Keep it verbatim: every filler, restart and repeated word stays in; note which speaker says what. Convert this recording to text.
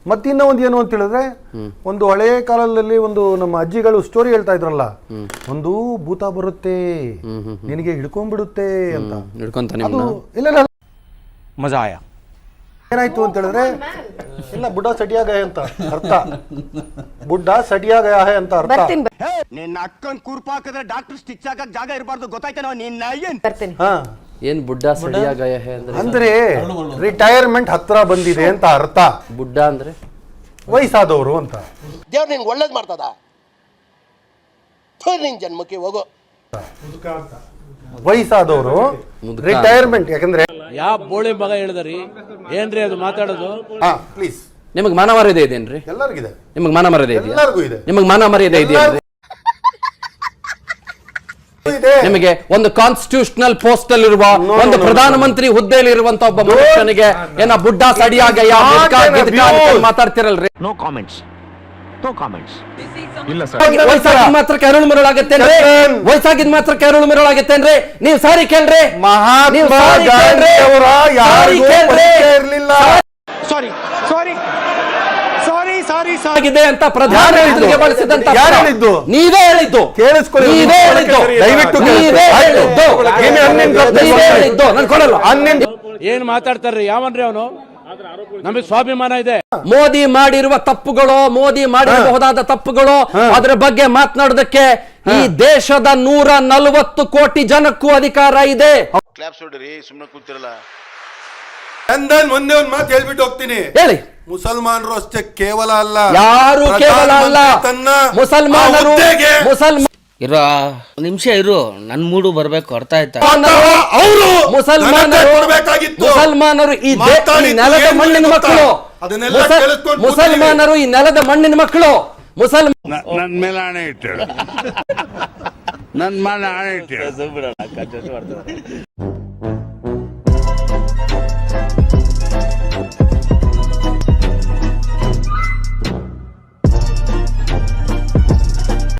Speaker 1: ಮತ್ತಿನ್ನ ಒಂದು ಏನು ಅಂತ ಹೇಳಿದ್ರೆ ಒಂದು ಹಳೆಯ ಕಾಲದಲ್ಲಿ ಒಂದು ನಮ್ಮ ಅಜ್ಜಿಗಳು ಸ್ಟೋರಿ ಹೇಳ್ತಾ ಇದ್ರಲ್ಲ, ಒಂದು ಭೂತ ಬರುತ್ತೆ ನಿನಗೆ ಹಿಡ್ಕೊಂಡ್ಬಿಡುತ್ತೆ ಅಂತ. ಅದು ಇಲ್ಲ ಇಲ್ಲ
Speaker 2: ಮಜಾ ಆಯಾ.
Speaker 1: ಏನಾಯ್ತು ಅಂತ ಹೇಳಿದ್ರೆ, ಇಲ್ಲ ಬುಡ್ಡ ಸಡಿಯಾ ಗಯ ಅಂತ ಅರ್ಥ. ಬುಡ್ಡ ಸಡಿಯಾ ಗಯ ಹೈ ಅಂತ ಅರ್ಥ.
Speaker 3: ನಿನ್ನ ಅಕ್ಕನ್ ಕುರ್ಪ ಹಾಕಿದ್ರೆ ಡಾಕ್ಟರ್ ಸ್ಟಿಚ್ ಹಾಕಕ್ ಜಾಗ ಇರಬಾರ್ದು, ಗೊತ್ತಾಯ್ತೇನೋ ನಿನ್ನ ಏನ್
Speaker 1: ಹಾ
Speaker 4: ಏನ್ ಬುಡ್ಡ ಸಡಿಯಾ ಗಯ ಹೈ ಅಂದ್ರೆ?
Speaker 1: ಅಂದ್ರೆ ರಿಟೈರ್ಮೆಂಟ್ ಹತ್ರ ಬಂದಿದೆ ಅಂತ ಅರ್ಥ.
Speaker 4: ಬುಡ್ಡ ಅಂದ್ರೆ
Speaker 1: ವಯಸ್ಸಾದವರು ಅಂತ.
Speaker 5: ದೇವ್ರು ನಿನ್ಗೆ ಒಳ್ಳೇದ್ ಮಾಡ್ತದ, ನಿನ್ ಜನ್ಮಕ್ಕೆ ಹೋಗೋ.
Speaker 1: ವಯಸ್ಸಾದವರು ರಿಟೈರ್ಮೆಂಟ್. ಯಾಕಂದ್ರೆ
Speaker 2: ಯಾವ ಬೋಳಿ ಮಗ ಹೇಳಿದ್ರಿ ಏನ್ರಿ ಅದು ಮಾತಾಡೋದು?
Speaker 1: ಹಾ ಪ್ಲೀಸ್,
Speaker 4: ನಿಮಗ್ ಮಾನ ಮರ್ಯಾದೆ ಇದೆಯೇನ್ರಿ?
Speaker 1: ಎಲ್ಲರಿಗಿದೆ.
Speaker 4: ನಿಮಗ್ ಮಾನ ಮರ್ಯಾದೆ ಇದೆಯಾ?
Speaker 1: ಎಲ್ಲರಿಗೂ ಇದೆ.
Speaker 4: ನಿಮಗ್ ಮಾನ ಮರ್ಯಾದೆ ಇದೆಯೇನ್ರಿ? ನಿಮಗೆ ಒಂದು ಕಾನ್ಸ್ಟಿಟ್ಯೂಷನಲ್ ಪೋಸ್ಟ್ ಅಲ್ಲಿ ಇರುವ ಒಂದು ಪ್ರಧಾನಮಂತ್ರಿ ಹುದ್ದೆಯಲ್ಲಿ ಇರುವಂತ ಒಬ್ಬ ಮನುಷ್ಯನಿಗೆ ಏನ ಬುಡ್ಡ ಸಡಿಯಾಗ ಮಾತಾಡ್ತಿರಲ್ರಿ?
Speaker 3: No comments, no comments.
Speaker 4: ವಯಸ್ಸಾಗಿದ್ ಮಾತ್ರ ಕೆರಳು ಮಿರಳಾಗತ್ತೇನ್ರಿ? ವಯಸ್ಸಾಗಿದ್ ಮಾತ್ರ ಕೆರಳು ಮಿರಳಾಗತ್ತೇನ್ರಿ? ನೀವು ಸಾರಿ ಕೇಳ್ರಿ.
Speaker 1: ಮಹಾತ್ಮ ಗಾಂಧಿ ಅವರ ಯಾರಿಗೂ ಪರಿಚಯ ಇರಲಿಲ್ಲ.
Speaker 3: ಸಾರಿ ಸಾರಿ ಸಾರಿ ಸಾರಿ
Speaker 4: ಆಗಿದೆ ಅಂತ ಪ್ರಧಾನಮಂತ್ರಿಗೆ ಬಳಸಿದಂತ
Speaker 1: ಯಾರು ಹೇಳಿದ್ದು?
Speaker 4: ನೀವೇ ಹೇಳಿದ್ದು.
Speaker 1: ಕೇಳಿಸ್ಕೊಳ್ಳಿ,
Speaker 4: ನೀವೇ ಹೇಳಿದ್ದು.
Speaker 1: ದಯವಿಟ್ಟು
Speaker 4: ನೀವೇ ಹೇಳಿದ್ದು. ನೀವೇ ಹೇಳಿದ್ದು. ನಾನು ಕೊಡಲ್ಲ.
Speaker 2: ಏನ್ ಮಾತಾಡ್ತಾರ್ರಿ? ಯಾವನ್ರಿ ಅವನು? ನಮಗೆ ಸ್ವಾಭಿಮಾನ ಇದೆ.
Speaker 4: ಮೋದಿ ಮಾಡಿರುವ ತಪ್ಪುಗಳು, ಮೋದಿ ಮಾಡಿರಬಹುದಾದ ತಪ್ಪುಗಳು, ಅದರ ಬಗ್ಗೆ ಮಾತನಾಡೋದಕ್ಕೆ ಈ ದೇಶದ ನೂರ ನಲವತ್ತು ಕೋಟಿ ಜನಕ್ಕೂ ಅಧಿಕಾರ ಇದೆ.
Speaker 6: ಕ್ಲಾಪ್ಸ್ ಹೊಡ್ರಿ, ಸುಮ್ಮನೆ ಕೂತಿರಲ್ಲ.
Speaker 1: ಚಂದನ್ ಒಂದೇ ಒಂದು ಮಾತು ಹೇಳ್ಬಿಟ್ಟು ಹೋಗ್ತೀನಿ.
Speaker 4: ಹೇಳಿ.
Speaker 1: ಮುಸಲ್ಮಾನರು ಅಷ್ಟೇ ಕೇವಲ ಅಲ್ಲ,
Speaker 4: ಯಾರು ಕೇವಲ ಅಲ್ಲ. ಮುಸಲ್ಮಾನರು ಮುಸಲ್ಮಾನ
Speaker 7: ಇರೋ ನಿಮಿಷ ಇರು, ನನ್ ಮೂಡು ಬರ್ಬೇಕು, ಅರ್ಥ ಆಯ್ತಾ?
Speaker 4: ಮುಸಲ್ಮಾನರು ಮುಸಲ್ಮಾನರು ಈ ನೆಲದ ಮಣ್ಣಿನ ಮಕ್ಕಳು. ಮುಸಲ್ಮಾನರು ಈ ನೆಲದ ಮಣ್ಣಿನ ಮಕ್ಕಳು. ಮುಸಲ್ಮಾನ
Speaker 6: ನನ್ ಮೇಲೆ ಆಣೆ ಇಟ್ಟೇಳು, ನನ್ ಮೇಲೆ ಆಣೆ ಇಟ್ಟೇಳು.